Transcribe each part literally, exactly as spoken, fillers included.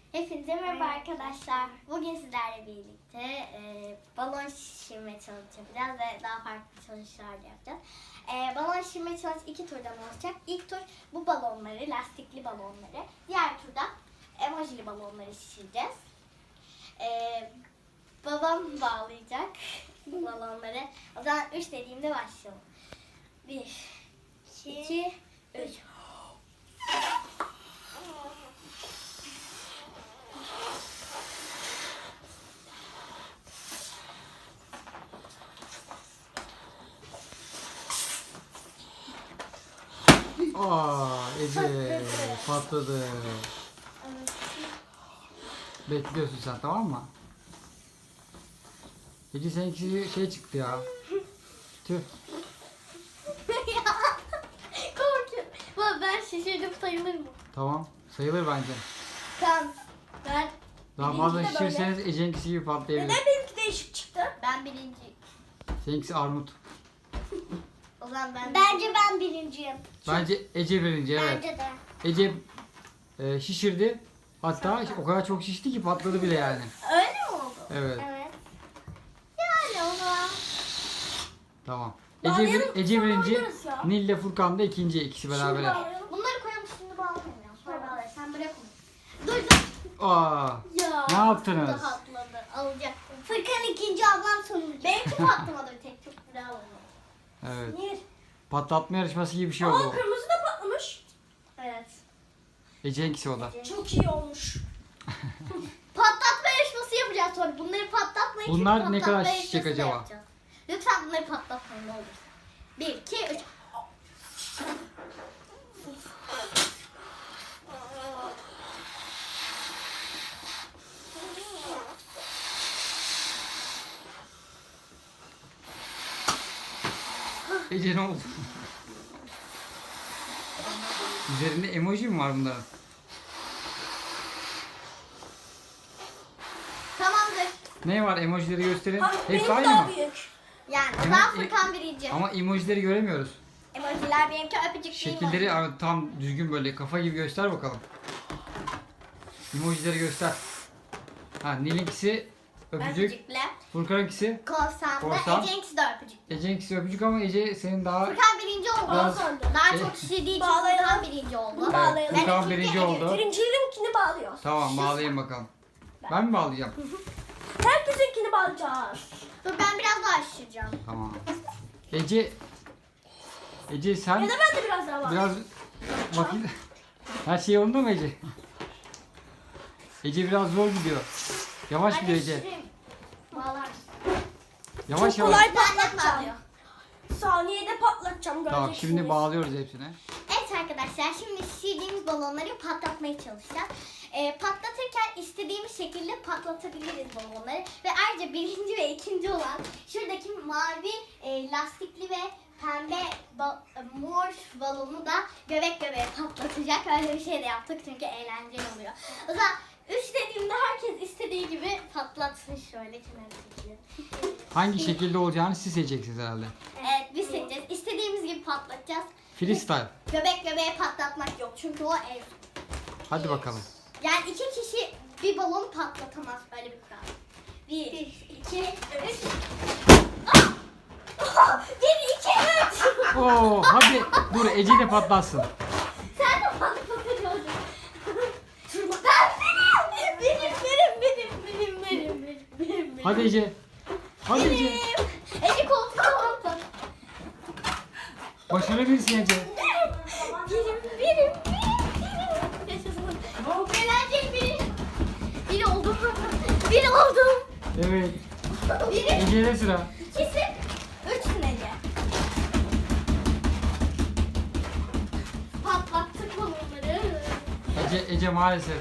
Hepinize merhaba arkadaşlar. Bugün sizlerle birlikte e, balon şişirme challenge yapacağız ve daha farklı challenge'lar da yapacağız. E, balon şişirme challenge iki turdan olacak. İlk tur bu balonları, lastikli balonları. Diğer turda emojili balonları şişireceğiz. E, babam bağlayacak bu balonları. O zaman üç dediğimde başlayalım. bir, iki, üç. Aa, Ece patladı. Bekliyorsun sen, tamam mı? Ece seninki şey çıktı ya. Tüh. Korkuyorum. Baba ben şişirdim, sayılır mı? Tamam, sayılır bence. Tamam. Ben Daha Benimki fazla de böyle. şişirseniz Ece'ninkisi gibi patlayabilir. Neden benimki değişik çıktı? ben birinci. Seninkisi armut. O zaman ben Bence ben birinciyim. Bence Ece birinci, evet. Bence de. Ece e, şişirdi. Hatta o kadar çok şişti ki patladı bile yani. Öyle mi oldu? Evet, Evet. Yani o zaman. tamam. Ece, Bağlayalım, bir, Ece sonra birinci, oynarız ya. Nil ile Furkan da ikinci, ikisi beraber. bağlayalım. Bunları koyalım, şimdi bağlamayalım. Sonra bağlarız. Sen bırak onu. Dur dur. Aa, Ya. ne yaptınız? Bu da patladı. Alacaktım. Fırkan ikinci, ablam sonuncu. Benimki patlamadı bir tek. Çok bravo. Evet. Nil. Patlatma yarışması gibi bir şey Aa, oldu. kırmızı da patlamış. Evet. Ece'ninkisi o da. Çok iyi olmuş. Patlatma yarışması yapacağız sonra. Bunları patlatmayın. çünkü Bunlar ne patlatma kadar yarışması şişecek da acaba? yapacağız. Lütfen bunları patlatmayın ne olursa. Bir, iki, üç. Ece ne oldu? Üzerinde emoji mi var bunların? Tamamdır. Ne var, emojileri gösterin. Abi, Hepsi benimki aynı daha mı? büyük. Yani o Ama- zaman Furkan birinci. Ama emojileri göremiyoruz. Emojiler benimki öpücük Şekilleri değil mi? abi tam düzgün böyle kafa gibi göster bakalım. Emojileri göster. Ha, Nil'inkisi öpücük, Öpücükle. Furkan'ınkisi, Korsan da. Korsan. Ece'ninkisi de öpücük. Ece'ninkisi öpücük ama Ece senin daha... Furkan birinci oldu. Biraz- Daha E- çok şişirdiği için Bağlayalım. Furkan birinci oldu. Bunu Evet, bağlayalım. Furkan Ben birinci ikinci, oldu. Birincilinkini bağlıyoruz. Tamam, bağlayayım bakalım. Ben mi bağlayacağım? Herkesinkini bağlayacağız. Dur ben biraz daha şişireceğim. Tamam. Ece... Ece sen... Ya da ben de biraz daha bağlayayım. Biraz vakit... Her şey yolunda mı Ece? Ece biraz zor gidiyor. Yavaş Hadi gidiyor Ece. şişireyim. Bağlar. Yavaş Çok yavaş. kolay Ben de patlatacağım. bağlıyor. Saniyede patlatacağım. Tamam, göreceksiniz. şimdi bağlıyoruz hepsine. Evet arkadaşlar, şimdi şişirdiğimiz balonları patlatmaya çalışacağız. Ee, patlatırken istediğimiz şekilde patlatabiliriz balonları. Ve ayrıca birinci ve ikinci olan şuradaki mavi e, lastikli ve pembe ba- e, mor balonu da göbek göbeğe patlatacak. Öyle bir şey de yaptık çünkü eğlenceli oluyor. O zaman üç dediğimde herkes istediği gibi patlatsın, şöyle kenara çekelim. Hangi şekilde olacağını siz seçeceksiniz herhalde. Evet, biz seçeceğiz. İstediğimiz gibi patlatacağız. Freestyle. Göbek göbeğe patlatmak yok çünkü o ev. Hadi bakalım. Yani iki kişi bir balon patlatamaz, böyle bir kural. Bir, iki, üç. Ah! Bir, iki, üç. Oo, hadi dur Ece de patlatsın. Sen de patlatıyorsun. Ben benim. Benim, benim, benim, benim, benim, benim, benim, benim. Hadi Ece. Hadi Ece. Benim. Ece koltuğa patlat. Başarabilirsin Ece. Benim, benim, benim, benim. Yaşasın. Bu eğlenceli biri. Biri oldum. Biri oldum. Evet. Biri. Ece'de sıra. İkisi, üçsün Ece. Patlattık balonları. Ece, Ece maalesef.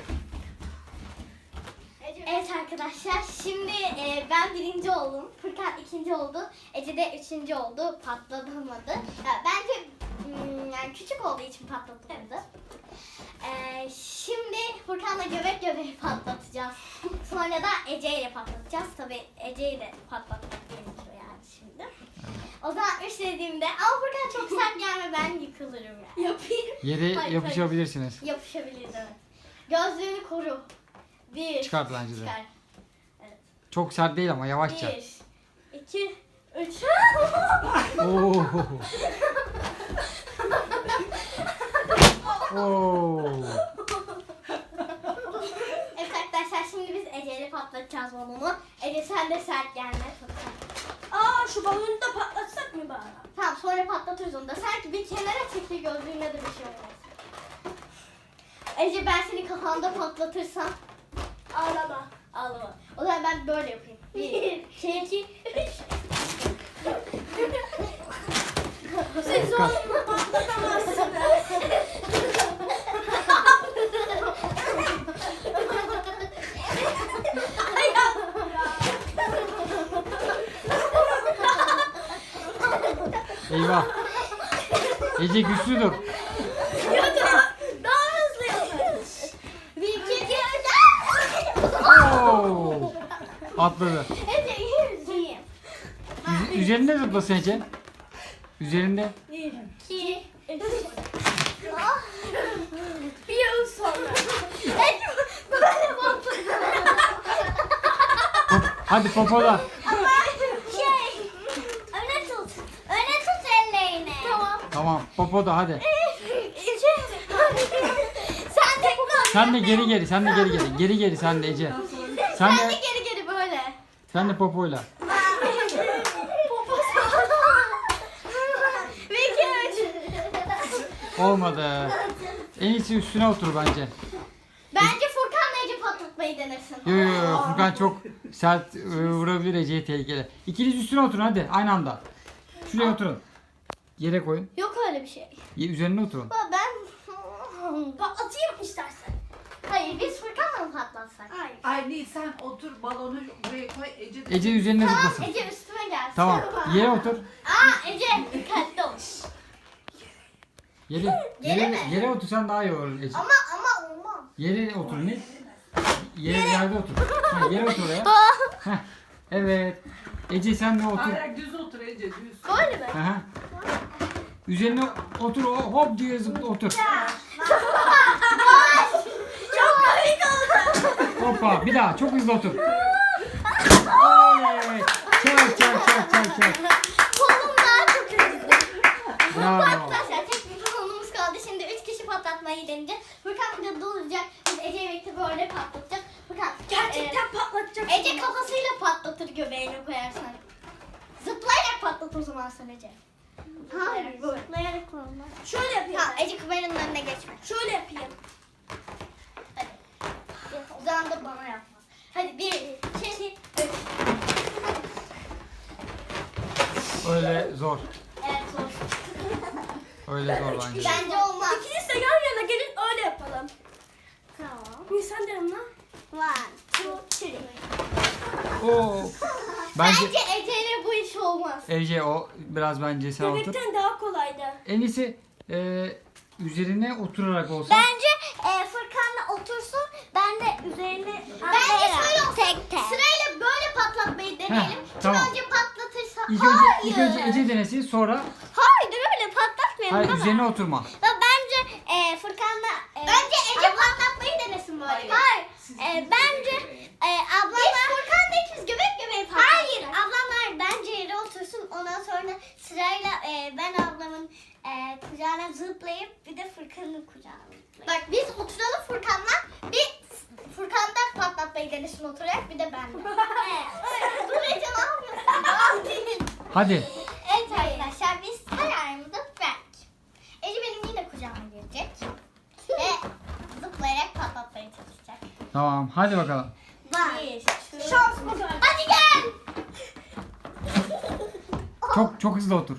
Evet arkadaşlar, şimdi e, ben birinci oldum. Furkan ikinci oldu. Ece de üçüncü oldu. Patlatamadı. Ya, bence hmm, yani küçük olduğu için patlatamadı. E, şimdi Furkan'la göbek göbeği patlatacağız. Sonra da Ece ile patlatacağız. Tabii Ece'yi de patlatmak gerekiyor yani şimdi. O zaman üç dediğimde, ama Furkan çok sert gelme, ben yıkılırım yani. Yapayım. Yere Hayır, yapışabilirsiniz. Yapışabiliriz, evet. Gözlüğünü koru. Bir. Çıkart bence de. Çıkar. Çok sert değil ama yavaşça. Bir. İki. Üç. Oo. Oo. Evet arkadaşlar şimdi biz Ece'yle patlatacağız balonu. Ece sen de sert gelme. Çok sert. Aa şu balonu da patlatsak mı bari? Tamam sonra patlatırız onu da. Sanki bir kenara çekti gözlüğüne de bir şey olmaz. Ece ben seni kafanda patlatırsam Ağlama. ağlama. O zaman ben böyle yapayım. Bir, iki, iki, üç. Siz onunla patlatamazsınız. Eyvah. Ece güçlü dur. Ya da daha hızlı yapın. Bir, iki, iki, üç. Oo. Atladı. Ece yüzeyim. Üz- üzerinde zıplasın Ece. Üzerinde. Bir. İki, Üç. ah. Bir yıl sonra. Ece böyle patladı. Hop, hadi popola. Ama şey, öne tut. Öne tut ellerini. Tamam. Tamam popoda hadi. Sen de Sen de geri geri sen de geri geri. Geri geri sen de Ece. Sen Sen de de geri geri böyle. sen de popoyla. Bir, iki, üç. Olmadı. En iyisi üstüne otur bence. Bence Furkan'la Ece patlatmayı denesin. Yo yo yo Furkan çok sert e, vurabilir Ece'ye tehlikeli. İkiniz üstüne oturun hadi aynı anda. Şuraya oturun. Yere koyun. Yok öyle bir şey. Ye- Üzerine oturun. Baba ben... Patlatayım istersen. Hayır biz Furkan'la mı patlatsak? Hayır. Ay sen otur balonu buraya koy Ece. Ece üzerine Tamam zıplasın. Ece üstüme gelsin. Tamam. Yere otur. Aa Ece dikkatli ol. Yere, Yere yere, mi? yere otursan daha iyi olur Ece. Ama ama olmaz. Yere otur ne? Yere yerde otur. Ha, yere otur oraya. Heh, evet. Ece sen de otur. Hayır düz otur Ece düz. Böyle mi? Aha. Üzerine otur o- hop diye zıpla otur. Çok komik oldu. Hoppa bir daha çok hızlı otur. Evet. Çak çak çak çak çak. Kolum daha çok acıdı. Bravo. Arkadaşlar tek bir kolumuz kaldı. Şimdi üç kişi patlatmayı deneyeceğiz. Furkan burada duracak. Biz Ece'yle birlikte böyle patlatacağız. Furkan Gerçekten patlatacak. e, Ece kafasıyla patlatır göbeğine koyarsan. Zıplayarak patlat o zaman sen Ece. Hayır böyle. Zıplayarak olmaz. Şöyle yapayım. Tamam Ece kameranın önüne geçme. Şöyle yapayım. Hadi. O zaman da bana yapma. Hadi bir, iki, üç. Öyle zor. Evet zor. Öyle zor bence. Bence olmaz. İkiniz de yan yana gelin öyle yapalım. Tamam. Nisan de yanına. One, two, three. Oo. Bence Bence Ece'yle bu iş olmaz. Ece o biraz bence sen otur. Bebekten daha kolaydı. En iyisi e, üzerine oturarak olsun. Bence e, Furkan'la otursun. Ben de üzerine Bence şöyle olsun. Tek tek. Sırayla böyle patlatmayı deneyelim. Kim tamam. önce patlatırsa. İlk önce, Hayır. ilk önce Ece denesin sonra Hayır öyle patlatmayalım. hayır baba. üzerine oturma. Ya bence e, Furkan'la e, Bence Ece patlatmayı denesin böyle. Hayır. Hayır. E, bence e, ablamlar Biz Furkan'la ikimiz göbek göbeği patlatacağız. Hayır ablamlar bence yere otursun. Ondan sonra sırayla e, ben ablamın e, kucağına zıplayıp bir de Furkan'ın kucağına zıplayıp. Bak biz oturalım Furkan'la. Bir Furkan'da patlatmayı denesin oturarak bir de ben de. Evet. Dur Ece ne yapıyorsun? Hadi. Evet arkadaşlar biz kararımızı verdik. Ece benim yine kucağıma girecek. Ve zıplayarak patlatmaya çalışacak. Tamam hadi bakalım. Bir, şans bu kadar. Hadi gel. Çok çok hızlı otur.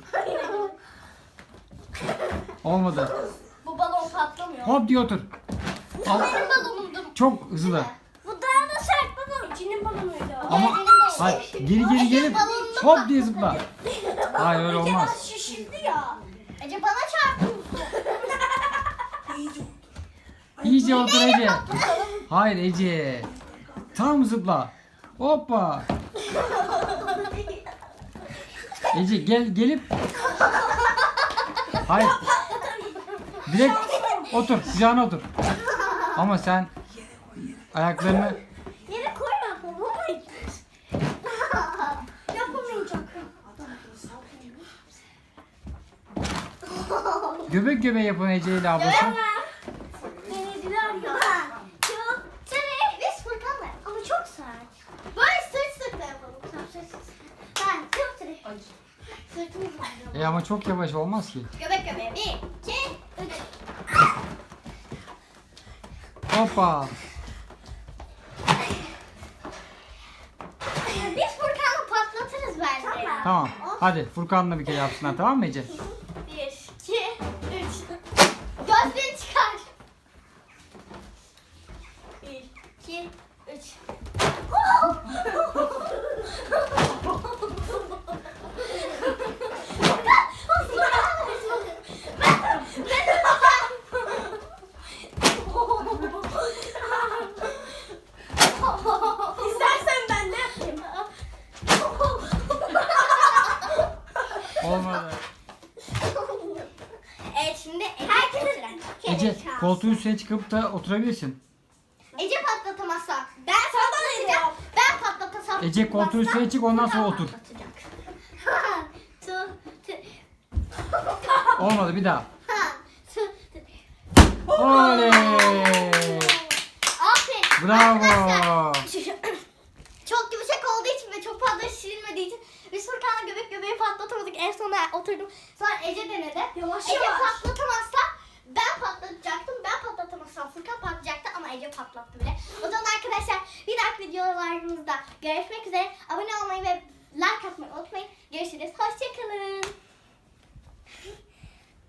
Olmadı. Bu balon patlamıyor. Hop diye otur. Al. Benim balonumdur. Çok hızlı. Bu daha da sert balon. İçinin balonuydu. Ama benim balonum. hayır, geri geri gelip hop diye zıpla. Hayır öyle olmaz. Şişirdi ya. Ece bana çarptı. İyice otur Ece. Hayır Ece. Tam zıpla. Hoppa. Ece gel gelip. Hayır. Direkt otur. Kucağına otur. Ama sen Ayaklarını Yere koyma babam. Yapamayacak. göbek göbeğe yapın Ece ile ablası. Denediler ya. Çok sert. Biz Furkan'la ama çok sert. Böyle sırt sırtla yapalım. Tamam sırt sırt. Ben çok sert. Acı. Sırtımız var. E ama çok yavaş olmaz ki. Göbek göbeğe. Bir, iki, üç. Hoppa. Biz Furkan'la patlatırız bence ya. Tamam. Hadi Furkan'la bir kere yapsınlar, tamam mı Ece? Bir, iki, üç. Gözlüğünü çıkar. Bir, iki, üç. İstersen ben ne yapayım? Olmadı. Evet şimdi herkesin Ece koltuğun üstüne çıkıp da oturabilirsin. Ece patlatamazsa ben patlatacağım. Ben patlatasam. Ece koltuğun üstüne çık, ondan sonra otur. Patlatacak. Tu, tu, Olmadı, bir daha. ha, tu, tu. Oley! Aferin. Bravo. Arkadaşlar, çok yumuşak olduğu için ve çok fazla şişirilmediği için biz Furkan'la göbek göbeği patlatamadık. En sona oturdum. Sonra Ece denedi. Yavaş Ece yavaş. patlatamazsa ben patlatacaktım. Ben patlatamazsam Furkan patlatacaktı ama Ece patlattı bile. O zaman arkadaşlar bir dahaki videolarımızda görüşmek üzere. Abone